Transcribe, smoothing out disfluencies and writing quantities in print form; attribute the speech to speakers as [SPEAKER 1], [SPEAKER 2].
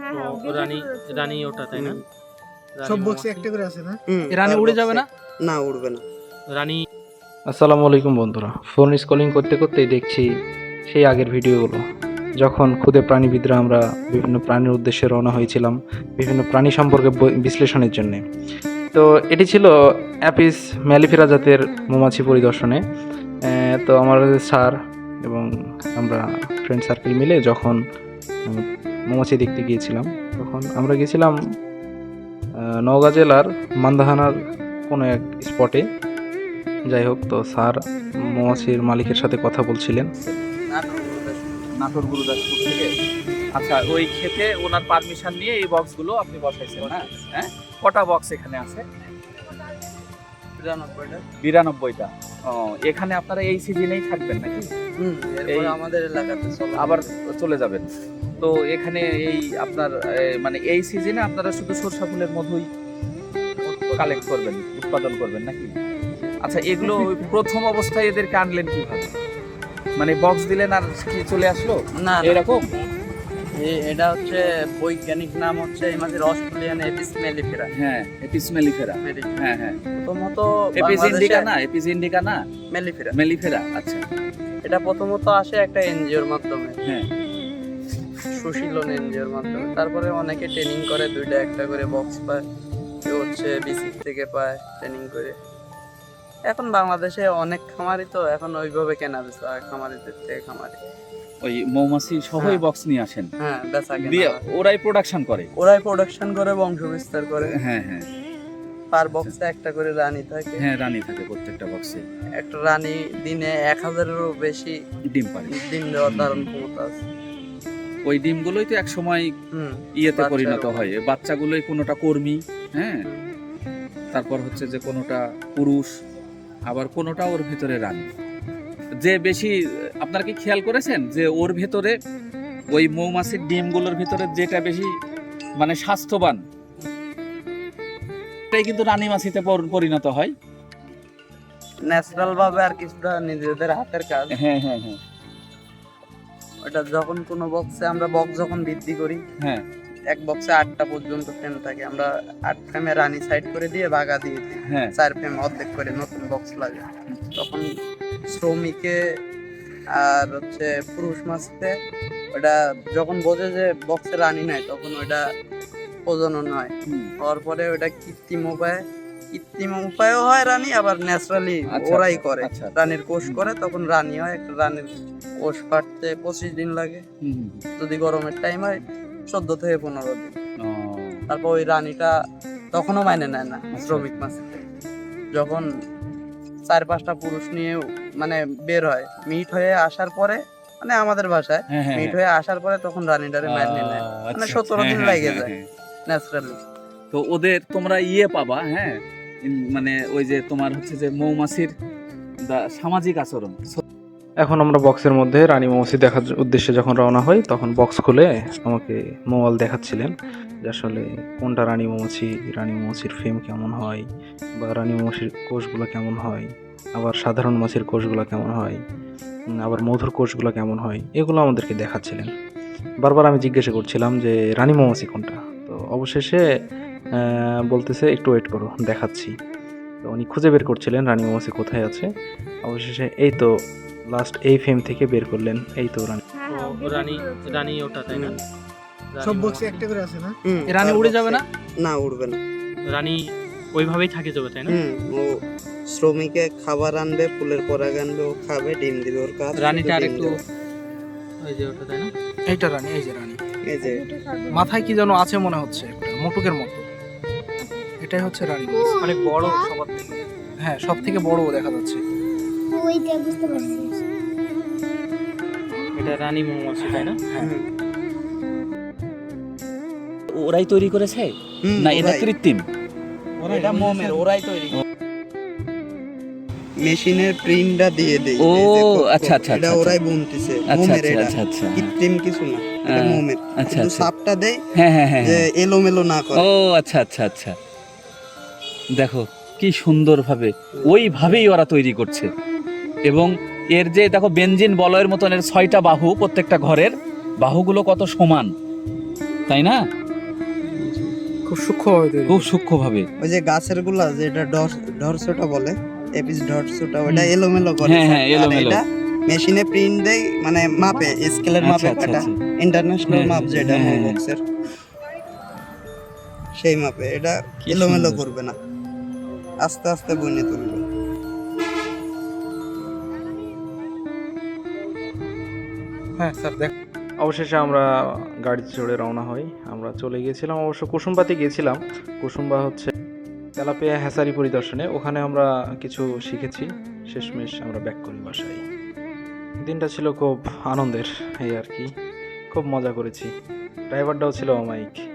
[SPEAKER 1] রানী রানী ওটা তাই না?
[SPEAKER 2] সব বক্সে একটা করে আছে না?
[SPEAKER 3] রানী উড়ে যাবে না?
[SPEAKER 2] না, উড়বে না।
[SPEAKER 1] রানী।
[SPEAKER 4] আসসালামু আলাইকুম বন্ধুরা, ফোন স্ক্রলিং করতে করতেই দেখছি সেই আগের ভিডিওগুলো, যখন ক্ষুদে প্রাণীবিদরা আমরা বিভিন্ন প্রাণীর উদ্দেশ্যে রওনা হয়েছিলাম বিভিন্ন প্রাণী সম্পর্কে বিশ্লেষণের জন্যে। তো এটি ছিল অ্যাপিস ম্যালিফেরা জাতের মৌমাছি পরিদর্শনে। তো আমার স্যার এবং আমরা ফ্রেন্ড সার্কেল মিলে যখন মৌমাছি দেখতে গিয়েছিলাম, তখন আমরা গিয়েছিলাম নওগাঁ জেলার মান্দাহানার কোনো এক স্পটে। যাই হোক, তো স্যার মৌমাছির মালিকের সাথে কথা বলছিলেন।
[SPEAKER 3] নাটোর গুরুদাসপুর থেকে। আচ্ছা, ওই ক্ষেতে ওনার পারমিশন নিয়ে এই বক্সগুলো আপনি বসাইছেন না? হ্যাঁ, কটা বক্স এখানে আছে? 92টা। ও, এখানে আপনারা এই সিজনেই থাকবেন নাকি?
[SPEAKER 2] এরপর আমাদের এলাকাতে
[SPEAKER 3] আবার চলে যাবেন। তো এখানে এই আপনার মানে এই সিজনে আপনারা শুধু সরষা ফুলের মধুই কালেক্ট করবেন, উৎপাদন করবেন নাকি? আচ্ছা, এগুলো প্রথম অবস্থায় এদেরকে আনলেন কিভাবে? মানে বক্স দিলেন আর কি চলে আসলো
[SPEAKER 2] না,
[SPEAKER 3] এরকম?
[SPEAKER 2] এটা হচ্ছে বৈজ্ঞানিক নাম হচ্ছে এই মাছের অস্ট্রেলিয়ান এপিস মেলিফেরা।
[SPEAKER 3] হ্যাঁ, এপিস মেলিফেরা। হ্যাঁ হ্যাঁ,
[SPEAKER 2] প্রথমত
[SPEAKER 3] এপিস ইন্ডিকা না? এপিস ইন্ডিকা না,
[SPEAKER 2] মেলিফেরা।
[SPEAKER 3] মেলিফেরা। আচ্ছা,
[SPEAKER 2] এটা প্রথমত আসে একটা এনজিওর মাধ্যমে,
[SPEAKER 3] হ্যাঁ,
[SPEAKER 2] সুশীলন এনজিওর মাধ্যমে। তারপরে অনেকে ট্রেনিং করে, দুইটা একটা করে বক্স পায়, কেউ হচ্ছে বিসি থেকে পায় ট্রেনিং করে। এখন বাংলাদেশে অনেক খামারি, তো এখন ওইভাবে কেনা বেচা হয় খামারিদের থেকে খামারি।
[SPEAKER 3] ওই মৌমাছি সহই বক্স নিয়ে আসেন?
[SPEAKER 2] হ্যাঁ, বেচা
[SPEAKER 3] দিয়ে
[SPEAKER 2] কেনা হয়।
[SPEAKER 3] ওরাই প্রোডাকশন করে?
[SPEAKER 2] ওরাই প্রোডাকশন করে, বংশ বিস্তার করে।
[SPEAKER 3] হ্যাঁ হ্যাঁ,
[SPEAKER 2] পার বক্সে একটা করে রানী থাকে।
[SPEAKER 3] হ্যাঁ, রানী থাকে প্রত্যেকটা বক্সে।
[SPEAKER 2] একটা রানী দিনে 1000-এরও বেশি
[SPEAKER 3] ডিম পারে।
[SPEAKER 2] ডিম দেওয়ার ধারণ ক্ষমতা আছে।
[SPEAKER 3] ওই ডিমগুলোই তো এক সময় ইয়েতে পরিণত হয়, বাচ্চাগুলোই কোনোটা কর্মী, হ্যাঁ, তারপর হচ্ছে যে কোনোটা পুরুষ, আবার কোনোটা ওর ভিতরে রানী। যে বেশি, আপনারা কি খেয়াল করেছেন যে ওর ভেতরে ওই মৌমাছির ডিমগুলোর ভিতরে যেটা বেশি মানে স্বাস্থ্যবান, এটাই কিন্তু রানী মাছিতে পরিণত হয়।
[SPEAKER 2] ন্যাচারাল ভাবে আর কিছুটা নিজেদের হাতের কাজ।
[SPEAKER 3] হ্যাঁ হ্যাঁ হ্যাঁ,
[SPEAKER 2] ওটা যখন কোনো বক্সে আমরা বক্স যখন বৃদ্ধি করি,
[SPEAKER 3] হ্যাঁ,
[SPEAKER 2] এক বক্সে 8টা পর্যন্ত ফ্রেম থাকে, আমরা 8 ফ্রেমে রানী সাইড করে দিয়ে ভাগা দিয়ে দিই।
[SPEAKER 3] হ্যাঁ,
[SPEAKER 2] 4 ফ্রেম অর্ধেক করে নতুন বক্স লাগে। তখন শ্রমিকে আর হচ্ছে পুরুষ মাছতে ওটা যখন বোঝে যে বক্সে রানী নাই, তখন ওটা প্রজনন হয়। হওয়ার পরে ওটা কৃত্রিম উপায়ও হয় রানী, আবার ন্যাচারালি ওরাই করে।
[SPEAKER 3] আচ্ছা,
[SPEAKER 2] রানীর কোষ করে, তখন রানী হয়। একটা রানীর কোষ ফাটতে 25 দিন লাগে, যদি গরমের টাইম হয় 14 থেকে 15 দিন। তারপর ওই রানীটা তখনও মাইনে নেয় না শ্রমিক মাছ। যখন 4-5টা পুরুষ নিয়ে মানে বের হয়, মিট হয়ে আসার পরে, মানে আমাদের ভাষায় মিট হয়ে আসার পরে, তখন রানীটারে মাইনে নেয়। মানে 17 দিন লাগে যায় ন্যাচারালি।
[SPEAKER 3] তো ওদের তোমরা ইয়ে পাবা, হ্যাঁ, মানে ওই যে তোমার হচ্ছে যে মৌমাছির সামাজিক আচরণ।
[SPEAKER 4] এখন আমরা বক্সের মধ্যে রানী মৌমাছি দেখার উদ্দেশ্যে যখন রওনা হই, তখন বক্স খুলে আমাকে মোবাইল দেখাচ্ছিলেন যে আসলে কোনটা রানী মৌমাছির ফেম কেমন হয়, বা রানী মৌমাছির কোষগুলো কেমন হয়, আবার সাধারণ মাছির কোষগুলো কেমন হয়, আবার মধুর কোষগুলো কেমন হয়, এগুলো আমাদেরকে দেখাচ্ছিলেন। বারবার আমি জিজ্ঞাসা করছিলাম যে রানী মৌমাছি কোনটা। তো অবশেষে বলতেছে একটু ওয়েট করো, দেখাচ্ছি। তো উনি খুঁজে বের করছিলেন রানী মৌমাছি কোথায় আছে। অবশেষে এই তো লাস্ট এই ফেম থেকে বের করলেন, এই তো রানী।
[SPEAKER 1] রানী রানী ওটা তাই না?
[SPEAKER 2] সব বক্সে একটা করে আছে না?
[SPEAKER 3] রানী উড়ে যাবে না?
[SPEAKER 2] না, উড়বে না।
[SPEAKER 1] রানী ওইভাবেই থাকে যাবে তাই না?
[SPEAKER 2] ও শ্রমিকে খাবার আনবে, ফুলের পরাগ আনবে, ও খাবে, ডিম দিবে। ওর কাজ
[SPEAKER 1] রানীটা আরেকটু ওই যে ওটা তাই না?
[SPEAKER 3] এইটা রানী, এই যে রানী,
[SPEAKER 2] এই যে
[SPEAKER 3] মাথায় কি যেন আছে মনে হচ্ছে, একটা মোটকের মতো। এটাই হচ্ছে রানী,
[SPEAKER 1] অনেক বড় সবার থেকে।
[SPEAKER 3] হ্যাঁ, সব থেকে বড় দেখা যাচ্ছে।
[SPEAKER 5] ওইটা বুঝতে পারছি।
[SPEAKER 1] এটা রানী মৌমাছি তাই না?
[SPEAKER 3] ওরাই তৈরি করেছে না এটা কৃত্রিম?
[SPEAKER 2] এটা মোমের, ওরাই তৈরি। মেশিনের প্রিন্টটা দিয়ে দেই।
[SPEAKER 3] ও আচ্ছা আচ্ছা,
[SPEAKER 2] এটা ওরাই বুনতেছে। মোমের, এটা কৃত্রিম কিছু না, এটা মোমের। কিন্তু সাপটা দেই
[SPEAKER 3] হ্যাঁ হ্যাঁ হ্যাঁ,
[SPEAKER 2] যে এলোমেলো না করে।
[SPEAKER 3] ও আচ্ছা আচ্ছা আচ্ছা, দেখো কি সুন্দরভাবে ওইভাবেই ওরা তৈরি করছে। এবং এর যে দেখো বেনজিন বলয়ের মতন এর 6টা বাহু, প্রত্যেকটা ঘরের বাহুগুলো কত সমান, তাই না?
[SPEAKER 1] খুব সূক্ষ্মভাবে তৈরি।
[SPEAKER 3] খুব সূক্ষ্মভাবে।
[SPEAKER 2] ওই যে গাছের গুলা যেটা ডরসোটা বলে, এপিস ডরসোটা, ওটা এলোমেলো করে।
[SPEAKER 3] হ্যাঁ, হ্যাঁ,
[SPEAKER 2] আর
[SPEAKER 3] এলোমেলো।
[SPEAKER 2] এটা মেশিনে প্রিন্ট দেয়, মানে মাপে, স্কেলের মাপে
[SPEAKER 3] আচ্ছা,
[SPEAKER 2] কাটা,
[SPEAKER 3] আচ্ছা।
[SPEAKER 2] ইন্টারন্যাশনাল
[SPEAKER 3] হ্যাঁ,
[SPEAKER 2] মাপ যেটা
[SPEAKER 3] হ্যাঁ, হ্যাঁ।
[SPEAKER 2] বক্সের, সেই মাপে। এটা
[SPEAKER 3] কি
[SPEAKER 2] এলোমেলো
[SPEAKER 3] সুন্দর।
[SPEAKER 2] করবে না, আস্তে আস্তে বইনে তুলবে।
[SPEAKER 1] হ্যাঁ স্যার দেখ।
[SPEAKER 4] অবশেষে আমরা গাড়িতে চড়ে রওনা হই। আমরা চলে গিয়েছিলাম অবশ্য কুসুম্বাতে গিয়েছিলাম। কুসুম্বা হচ্ছে তেলাপিয়া হ্যাচারি পরিদর্শনে, ওখানে আমরা কিছু শিখেছি। শেষমেশ আমরা ব্যাক করি বাসায়। দিনটা ছিল খুব আনন্দের, এই আর কি, খুব মজা করেছি। ড্রাইভারটাও ছিল অমায়িক।